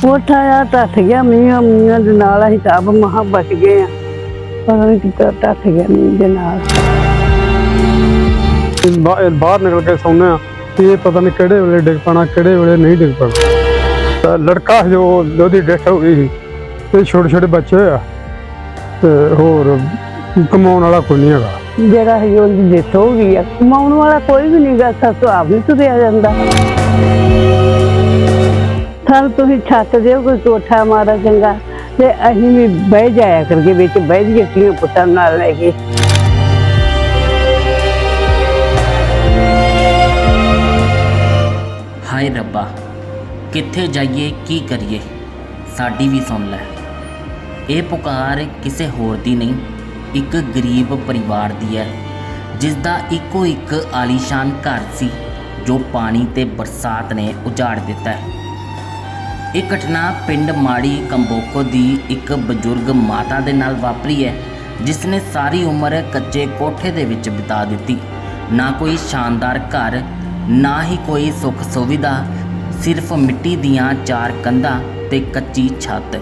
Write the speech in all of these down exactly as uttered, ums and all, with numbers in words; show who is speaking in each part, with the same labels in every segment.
Speaker 1: ਕੋਠਾ ਆ ਟੱਟ ਗਿਆ ਮੀਂਹ ਮੀਂਹ ਦੇ ਨਾਲ ਅਸੀਂ ਤਾਂ ਆਪ ਮਹਾਂ ਬਚ ਗਏ ਆ ਪਤਾ ਨਹੀਂ ਕਿੱਦਾਂ ਟੱਟ ਗਿਆ ਮੀਂਹ ਦੇ ਨਾਲ।
Speaker 2: ਬਾਹਰ ਨਿਕਲ ਕੇ ਸੌਂਦੇ ਆ ਕਿ ਇਹ ਪਤਾ ਨਹੀਂ ਕਿਹੜੇ ਵੇਲੇ ਡਿੱਗ ਪੈਣਾ ਕਿਹੜੇ ਵੇਲੇ ਨਹੀਂ ਡਿੱਗ ਪੈਣਾ। ਤਾਂ ਲੜਕਾ ਜੋ ਉਹਦੀ ਡੈਥ ਹੋ ਗਈ ਸੀ ਤੇ ਛੋਟੇ ਛੋਟੇ ਬੱਚੇ ਆ ਤੇ ਹੋਰ ਕਮਾਉਣ ਵਾਲਾ ਕੋਈ ਨਹੀਂ ਹੈਗਾ।
Speaker 1: ਜਿਹੜਾ ਹੈ ਉਹਦੀ ਡੈਥ ਹੋ ਗਈ ਆ, ਕਮਾਉਣ ਵਾਲਾ ਕੋਈ ਵੀ ਨਹੀਂ ਗਾ। ਸਾਥੋਂ ਆਪ ਨਹੀਂ ਤੁਰਿਆ ਜਾਂਦਾ। ਸਾਨੂੰ ਤੁਸੀਂ ਛੱਤ ਦਿਓ ਕੋਈ ਕੋਠਾ ਮਾਰਾ ਚੰਗਾ ਤੇ ਅਸੀਂ ਵੀ ਬਹਿ ਜਾਇਆ ਕਰਕੇ ਵਿੱਚ ਬਹਿ ਜਾਈਏ ਧੀਆਂ ਪੁੱਤਾਂ ਨਾਲ ਲੈ ਕੇ।
Speaker 3: ਹਾਏ ਰੱਬਾ, ਕਿੱਥੇ ਜਾਈਏ ਕੀ ਕਰੀਏ, ਸਾਡੀ ਵੀ ਸੁਣ ਲੈ। ਇਹ ਪੁਕਾਰ ਕਿਸੇ ਹੋਰ ਦੀ ਨਹੀਂ, ਇੱਕ ਗਰੀਬ ਪਰਿਵਾਰ ਦੀ ਹੈ ਜਿਸ ਦਾ ਇੱਕੋ ਇੱਕ ਆਲੀਸ਼ਾਨ ਘਰ ਸੀ ਜੋ ਪਾਣੀ ਤੇ ਬਰਸਾਤ ਨੇ ਉਜਾੜ ਦਿੱਤਾ ਹੈ। ਇਹ ਘਟਨਾ ਪਿੰਡ ਮਾੜੀ ਕੰਬੋਕੋ ਦੀ ਇੱਕ ਬਜ਼ੁਰਗ ਮਾਤਾ ਦੇ ਨਾਲ ਵਾਪਰੀ ਹੈ ਜਿਸ ਨੇ ਸਾਰੀ ਉਮਰ ਕੱਚੇ ਕੋਠੇ ਦੇ ਵਿੱਚ ਬਿਤਾ ਦਿੱਤੀ। ਨਾ ਕੋਈ ਸ਼ਾਨਦਾਰ ਘਰ, ਨਾ ਹੀ ਕੋਈ ਸੁੱਖ ਸੁਵਿਧਾ, ਸਿਰਫ ਮਿੱਟੀ ਦੀਆਂ ਚਾਰ ਕੰਧਾਂ ਤੇ ਕੱਚੀ ਛੱਤ।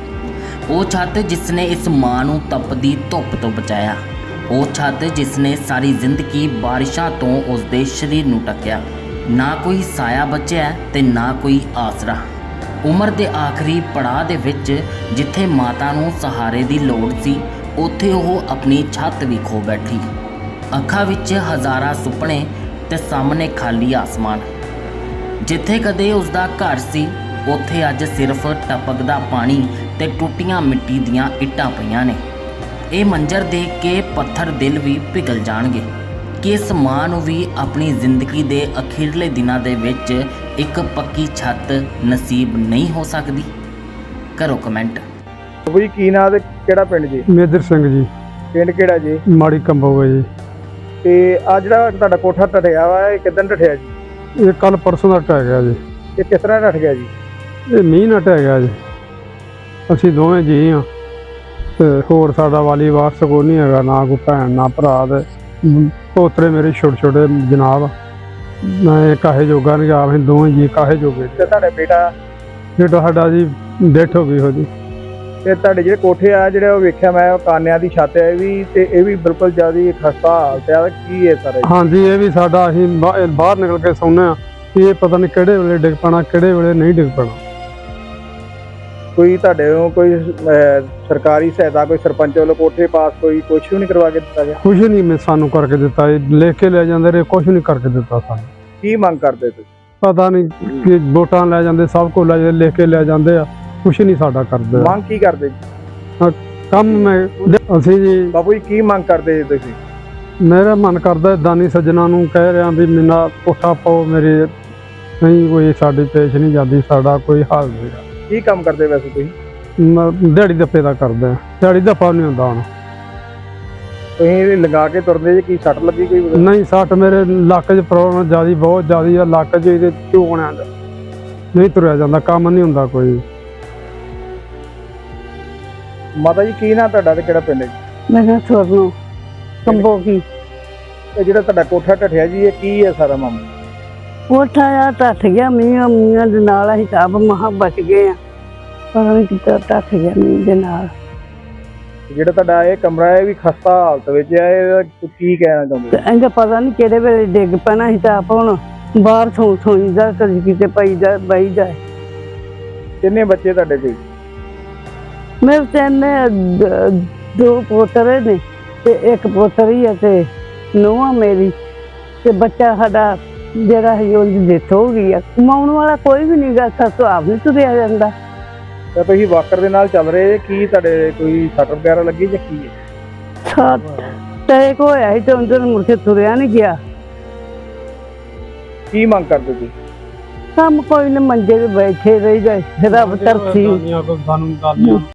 Speaker 3: ਉਹ ਛੱਤ ਜਿਸ ਨੇ ਇਸ ਮਾਂ ਨੂੰ ਤਪਦੀ ਧੁੱਪ ਤੋਂ ਬਚਾਇਆ, ਉਹ ਛੱਤ ਜਿਸ ਨੇ ਸਾਰੀ ਜ਼ਿੰਦਗੀ ਬਾਰਿਸ਼ਾਂ ਤੋਂ ਉਸ ਦੇ ਸਰੀਰ ਨੂੰ ਢੱਕਿਆ। ਨਾ ਕੋਈ ਸਾਇਆ ਬਚਿਆ ਤੇ ਨਾ ਕੋਈ ਆਸਰਾ। ਉਮਰ ਦੇ ਆਖਰੀ ਪੜਾਅ ਦੇ ਵਿੱਚ ਜਿੱਥੇ ਮਾਤਾ ਨੂੰ ਸਹਾਰੇ ਦੀ ਲੋੜ ਸੀ, ਉੱਥੇ ਉਹ ਆਪਣੀ ਛੱਤ ਵੀ ਖੋ ਬੈਠੀ। ਅੱਖਾਂ ਵਿੱਚ ਹਜ਼ਾਰਾਂ ਸੁਪਨੇ ਤੇ ਸਾਹਮਣੇ ਖਾਲੀ ਆਸਮਾਨ। ਜਿੱਥੇ ਕਦੇ ਉਸ ਦਾ ਘਰ ਸੀ, ਉੱਥੇ ਅੱਜ ਸਿਰਫ ਟਪਕਦਾ ਪਾਣੀ ਤੇ ਟੁੱਟੀਆਂ ਮਿੱਟੀ ਦੀਆਂ ਇੱਟਾਂ ਪਈਆਂ ਨੇ। ਇਹ ਮੰਜ਼ਰ ਦੇਖ ਕੇ ਪੱਥਰ ਦਿਲ ਵੀ ਪਿਘਲ ਜਾਣਗੇ ਕਿ ਇਸ ਮਾਂ ਨੂੰ ਵੀ ਆਪਣੀ ਜ਼ਿੰਦਗੀ ਦੇ ਅਖੀਰਲੇ ਦਿਨਾਂ ਦੇ ਵਿੱਚ ਇੱਕ ਪੱਕੀ ਛੱਤ ਨਸੀਬ ਨਹੀਂ ਹੋ ਸਕਦੀ। ਕਰੋ ਕਮੈਂਟ।
Speaker 4: ਬਈ ਕੀ ਨਾਂ ਤੇ ਕਿਹੜਾ ਪਿੰਡ ਜੀ?
Speaker 2: ਮੇਦਰ ਸਿੰਘ ਜੀ,
Speaker 4: ਪਿੰਡ ਕਿਹੜਾ ਜੀ?
Speaker 2: ਮਾੜੀ ਕੰਬੋਗਾ ਜੀ।
Speaker 4: ਤੇ ਆ ਜਿਹੜਾ ਤੁਹਾਡਾ ਕੋਠਾ ਢੱਠਿਆ ਵਾ, ਇਹ ਕਿੱਦਣ ਢੱਠਿਆ ਜੀ?
Speaker 2: ਇਹ ਕੱਲ ਪਰਸੋਂ ਦਾ ਢਹਿ ਗਿਆ ਜੀ।
Speaker 4: ਇਹ ਕਿਸ ਤਰ੍ਹਾਂ ਢੱਠ ਗਿਆ ਜੀ?
Speaker 2: ਇਹ ਮੀਂਹ ਨਾਲ ਢਹਿ ਗਿਆ ਜੀ। ਅਸੀਂ ਦੋਵੇਂ ਜੀ ਹਾਂ ਤੇ ਹੋਰ ਸਾਡਾ ਵਾਲੀ ਵਾਰਸ ਕੋਈ ਨਹੀਂ ਹੈਗਾ, ਨਾ ਕੋਈ ਭੈਣ ਨਾ ਭਰਾ। ਤੇ ਪੋਤਰੇ ਮੇਰੇ ਛੋਟੇ ਛੋਟੇ ਜਨਾਬ, ਮੈਂ ਕਾਹੇ ਜੋਗਾ ਨਹੀਂ ਗਾ। ਅਸੀਂ ਦੋਵੇਂ ਜੀ ਕਾਹੇ ਜੋਗੇ।
Speaker 4: ਤੇ ਤੁਹਾਡਾ ਬੇਟਾ?
Speaker 2: ਬੇਟਾ ਸਾਡਾ ਜੀ ਡੈਥ ਹੋ ਗਈ ਉਹਦੀ।
Speaker 4: ਤੇ ਤੁਹਾਡੇ ਜਿਹੜੇ ਕੋਠੇ ਆ ਜਿਹੜੇ ਉਹ ਵੇਖਿਆ ਮੈਂ, ਉਹ ਕਾਨਿਆਂ ਦੀ ਛੱਤ ਹੈ ਇਹ ਵੀ, ਤੇ ਇਹ ਵੀ ਬਿਲਕੁਲ ਜ਼ਿਆਦਾ ਖਸਤਾ ਹਾਲਤ ਆ। ਕੀ ਹੈ ਸਰ?
Speaker 2: ਹਾਂਜੀ, ਇਹ ਵੀ ਸਾਡਾ ਅਸੀਂ ਬਾਹਰ ਨਿਕਲ ਕੇ ਸੌਂਦੇ ਆ ਕਿ ਇਹ ਪਤਾ ਨਹੀਂ ਕਿਹੜੇ ਵੇਲੇ ਡਿੱਗ ਪੈਣਾ ਕਿਹੜੇ ਵੇਲੇ ਨਹੀਂ ਡਿੱਗ ਪੈਣਾ।
Speaker 4: ਕੋਈ ਤੁਹਾਡੇ ਨੂੰ ਕੋਈ ਸਰਕਾਰੀ ਸਹਾਇਤਾ, ਕੋਈ ਸਰਪੰਚ ਵੱਲੋਂ ਕੋਠੇ ਪਾਸ ਕੋਈ ਕੁਛ ਵੀ ਨਹੀਂ ਕਰਵਾ ਕੇ ਦਿੱਤਾ ਗਿਆ?
Speaker 2: ਕੁਛ ਨਹੀਂ ਮੈਂ ਸਾਨੂੰ ਕਰਕੇ ਦਿੱਤਾ, ਇਹ ਲਿਖ ਕੇ ਲੈ ਜਾਂਦੇ ਰਹੇ, ਕੁਛ ਨਹੀਂ ਕਰਕੇ ਦਿੱਤਾ ਸਾਨੂੰ।
Speaker 4: ਕੀ ਮੰਗ ਕਰਦੇ ਤੁਸੀਂ?
Speaker 2: ਪਤਾ ਨਹੀਂ ਕਿ ਵੋਟਾਂ ਲੈ ਜਾਂਦੇ, ਸਭ ਕੁਝ ਲੈ ਜਾਂਦੇ, ਲਿਖ ਕੇ ਲੈ ਜਾਂਦੇ ਆ, ਕੁਛ ਨਹੀਂ ਸਾਡਾ ਕਰਦੇ।
Speaker 4: ਮੰਗ ਕੀ ਕਰਦੇ ਜੀ?
Speaker 2: ਕੰਮ ਮੈਂ ਅਸੀਂ ਜੀ
Speaker 4: ਬਾਪੂ ਜੀ ਕੀ ਮੰਗ ਕਰਦੇ ਜੀ ਤੁਸੀਂ?
Speaker 2: ਮੇਰਾ ਮਨ ਕਰਦਾ ਦਾਨੀ ਸੱਜਣਾ ਨੂੰ ਕਹਿ ਰਿਹਾ ਵੀ ਮੇਰਾ ਕੋਠਾ ਪਾਓ, ਮੇਰੇ ਨਹੀਂ ਕੋਈ ਸਾਡੀ ਪੇਸ਼ ਨਹੀਂ ਜਾਂਦੀ, ਸਾਡਾ ਕੋਈ ਹਾਲ ਨਹੀਂ।
Speaker 4: ਕੀ ਕੰਮ ਕਰਦੇ ਵੈਸੇ ਤੁਸੀਂ?
Speaker 2: ਮੈਂ ਦਿਹਾੜੀ ਦੱਪੇ ਦਾ ਕਰਦਾ, ਦਿਹਾੜੀ ਦੱਪਾ ਨਹੀਂ ਹੁੰਦਾ ਹੁਣ।
Speaker 4: ਤੁਸੀਂ ਲਗਾ ਕੇ ਤੁਰਦੇ ਜੀ, ਕੀ ਸੱਟ ਲੱਗੀ ਕੋਈ?
Speaker 2: ਨਹੀਂ, ਸੱਟ ਮੇਰੇ ਲੱਕ 'ਚ ਪ੍ਰੋਬਲਮ ਜ਼ਿਆਦਾ ਬਹੁਤ ਜ਼ਿਆਦਾ ਆ। ਲੱਕ 'ਚ ਇਹਦੇ ਝੂਕਣਿਆਂ ਦਾ ਨਹੀਂ ਤੁਰਿਆ ਜਾਂਦਾ, ਕੰਮ ਨਹੀਂ ਹੁੰਦਾ ਕੋਈ।
Speaker 4: ਮਾਤਾ ਜੀ ਕੀ ਨਾਂ ਤੁਹਾਡਾ ਤੇ ਕਿਹੜਾ ਪਿੰਡ ਜੀ?
Speaker 1: ਮੈਂ ਕਿਹਾ ਸੋਨੂੰ ਕੰਬੋਗੀ।
Speaker 4: ਇਹ ਜਿਹੜਾ ਤੁਹਾਡਾ ਕੋਠਾ ਢੱਠਿਆ ਜੀ, ਇਹ ਕੀ ਹੈ ਸਾਰਾ ਮਾਮਲਾ?
Speaker 1: ਕੋਠਾ ਆ ਟੱਟ ਗਿਆ ਮੀਂਹ ਮੀਂਹ ਦੇ ਨਾਲ ਅਸੀਂ ਤਾਂ ਆਪ ਮਹਾਂ ਬਚ ਗਏ ਆ ਪਤਾ ਨਹੀਂ ਕਿੱਦਾਂ ਟੱਟ ਗਿਆ ਮੀਂਹ ਦੇ ਨਾਲ।
Speaker 4: ਜਿਹੜਾ ਤੁਹਾਡਾ ਇਹ ਕਮਰਾ ਹੈ ਵੀ ਖਸਤਾ ਹਾਲਤ ਵਿੱਚ ਹੈ, ਇਹਦਾ ਕੀ ਕਹਿਣਾ ਚਾਹੁੰਦੇ?
Speaker 1: ਇਹਦਾ ਪਤਾ ਨਹੀਂ ਕਿਹੜੇ ਵੇਲੇ ਡਿੱਗ ਪੈਣਾ। ਅਸੀਂ ਤਾਂ ਆਪ ਹੁਣ ਬਾਹਰ ਸੌਂ ਸੌਂਦਾ, ਕਦੀ ਕਿਤੇ ਪਈ ਜਾ ਬਈ ਜਾਏ।
Speaker 4: ਕਿੰਨੇ ਬੱਚੇ ਤੁਹਾਡੇ ਕੋਈ?
Speaker 1: ਮੇਰੇ ਤਿੰਨ ਦੋ ਪੋਤਰੇ ਨੇ ਤੇ ਇੱਕ ਪੋਤਰੀ ਆ ਤੇ ਨੂੰਹ ਮੇਰੀ ਤੇ ਬੱਚਾ ਸਾਡਾ ਜਿਹੜਾ ਹੈ ਉਹਦੀ ਡੈਥ ਹੋ ਗਈ ਆ। ਕਮਾਉਣ ਵਾਲਾ ਕੋਈ ਵੀ ਨਹੀਂ ਗਾ। ਸਾਥੋਂ ਆਪ ਨਹੀਂ ਤੁਰਿਆ ਜਾਂਦਾ।
Speaker 4: ਤਾਂ ਤੁਸੀਂ ਵਾਕਰ ਦੇ ਨਾਲ ਚੱਲ ਰਹੇ, ਕੀ ਤੁਹਾਡੇ ਕੋਈ ਸੱਟ ਵਗੈਰਾ ਲੱਗੀ ਜਾਂ ਕੀ ਹੈ?
Speaker 1: ਸੱਟ ਟੈਕ ਹੋਇਆ ਸੀ ਤੇ ਉਹਨਾਂ ਮੁੜ ਕੇ ਤੁਰਿਆ ਨਹੀਂ ਗਿਆ।
Speaker 4: ਕੀ ਮੰਗ ਕਰਦੇ ਤੁਸੀਂ?
Speaker 1: ਕੰਮ ਕੋਈ ਨਾ, ਮੰਜੇ ਤੇ ਬੈਠੇ ਰਹੀ ਜਾਏ, ਰੱਬ ਤਰਸੀ।